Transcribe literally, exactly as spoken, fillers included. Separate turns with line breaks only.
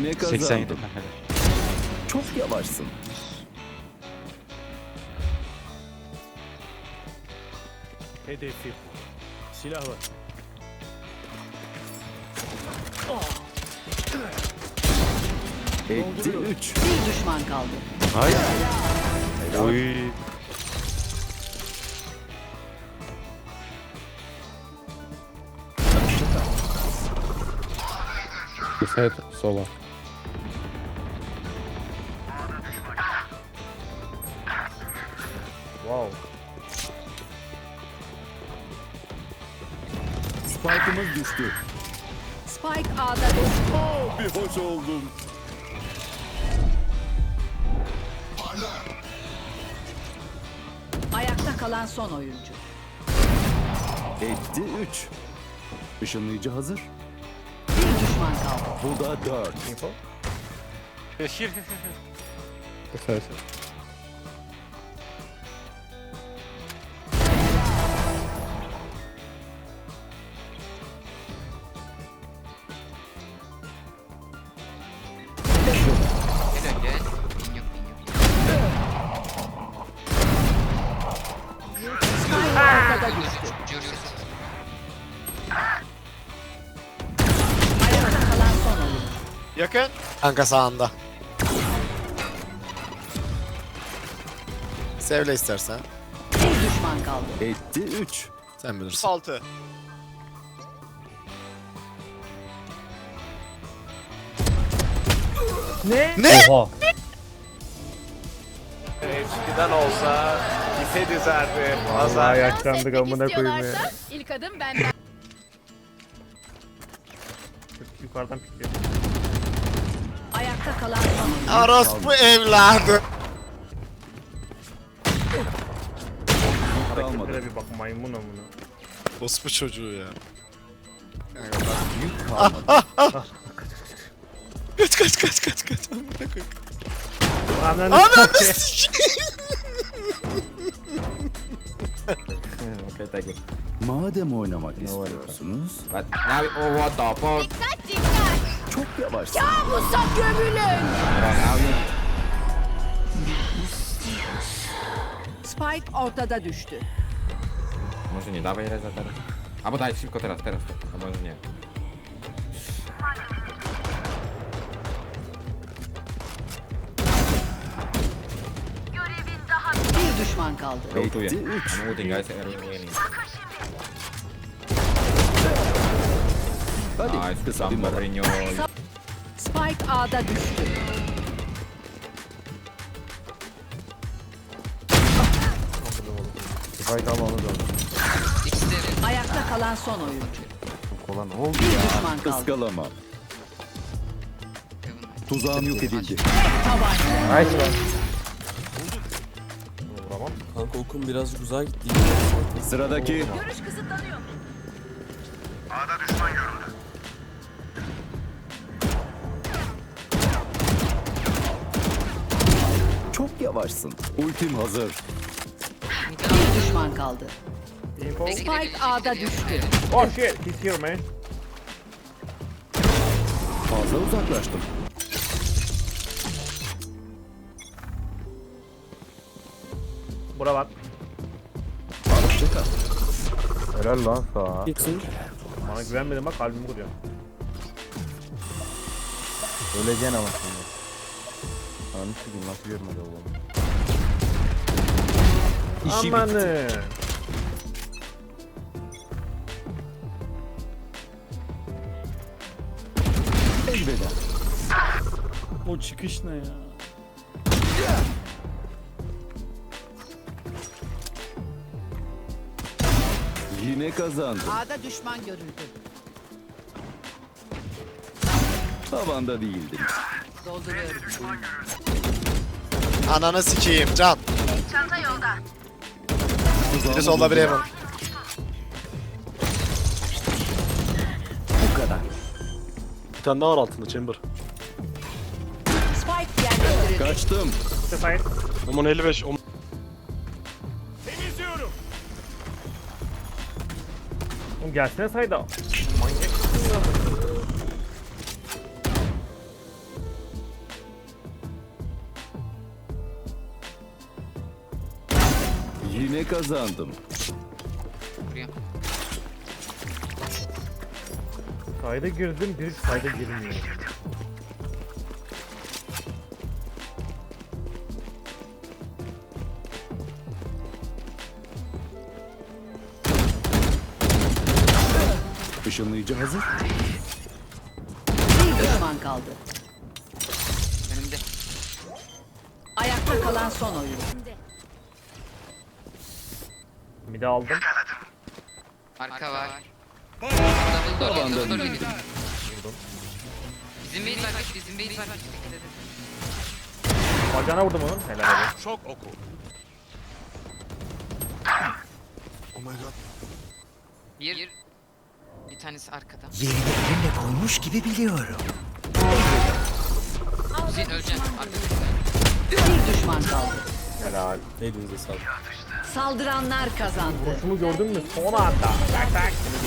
Yine kazandım. Çok yavaşsın.
Hedefi. Silah var.
Etti üç.
Bir düşman kaldı.
Ay. Oy.
Set sola.
Wow.
Spike'ımız düştü.
Spike A'da düştü.
Oh, bir hoş oldum.
Ayakta kalan son oyuncu.
Etti üç. Işınlayıcı hazır.
Bir düşman kaldı.
Bu da dört.
Set.
Gel gel. Bin yok bin yok.
Spike ortada düştü.
Görüyoruz.
Ayakta kalan son oyuncu.
Yakın.
Kanka sağında. Sevle istersen.
Bir düşman kaldı.
Etti üç.
Sen bilirsin.
Altı.
Ne?
Oha.
Eskiden olsa ipe dizerdi.
Vallahi
Azar.
yaşlandık amına koyayım ya.
İlk adım benden.
Yukarıdan pikliyor.
Ayakta kalan son oyuncu.
Orospu evladı.
Kalmadı.
Hareketlere bir bak, maymun amına.
Orospu çocuğu ya.
Yük kalmadı.
Kaç kaç kaç kaç kaç. Amına koyayım.
Ananı
Ananı
s**eyim.
sikeyim.
Madem oynamak istiyorsunuz,
Now, oh what the fuck?
çok yavaşsın.
Musa gömülün. Spike ortada düştü.
Może nie, dawaj reza teraz. Albo daj szybko teraz, teraz. A może nie.
Bir düşman kaldı.
Rotuję.
Etti üç.
I'm ulting guys, I'm winning.
Hadi
Nice,
kısa bir
some
mola.
Mourinho.
Spike A'da düştü.
Spike almamız lazım.
İkisi de evet.
Ayakta kalan son oyuncu.
Kolan oldu.
Bir düşman kaldı.
Iskalama. Tuzağım yok edildi.
Tabanca.
Nice lan.
Vuramam.
Kanka okum birazcık uzağa gitti.
Sıradaki
Görüş kısıtlanıyor.
çok yavaşsın. Ultim hazır.
Bir düşman kaldı.
Info.
Spike A'da düştü.
Oh shit, he's here man.
Fazla uzaklaştım.
Bura bak.
Hoşçakal.
Helal lan sağa.
Gitsin.
Bana güvenmedin bak, kalbimi vuruyor.
Öleceksin ama şimdi. Anı sikeyim nasıl görmedi oğlum.
Amanı.
Elveda.
O çıkış ne ya?
Yine kazandım.
A'da düşman görüldü.
Tavanda değildim.
Dolduruyorum.
Ananı sikeyim can. Biri solda biri hemen.
Bu kadar.
Bir tane daha var altında chamber.
Spike yerleştirildi.
Kaçtım.
Sefer.
Omun elli beş.
Oğlum gelsene sayda. Manyak mısın ya?
Yine kazandım.
Vuruyor.
Sayda girdim, bir sayda girmiyor.
Işınlayıcı hazır.
Bir düşman kaldı.
Önümde.
Ayakta kalan son oyuncu.
Mide aldım.
Arka var. Double door,
Tabanda
double door
değil.
geliyor. Bizim base var, bizim base var. Dikkat edin.
Bacağına vurdum onun. Helal olsun.
Şok oku.
Bir. Bir tanesi arkada.
Yerini elimle koymuş gibi biliyorum.
Hüseyin öleceksin. Arkada.
Bir düşman kaldı.
Helal.
Elinize sağlık.
Saldıranlar kazandı.
Şunu gördün mü? Son anda. Tak tak. Seni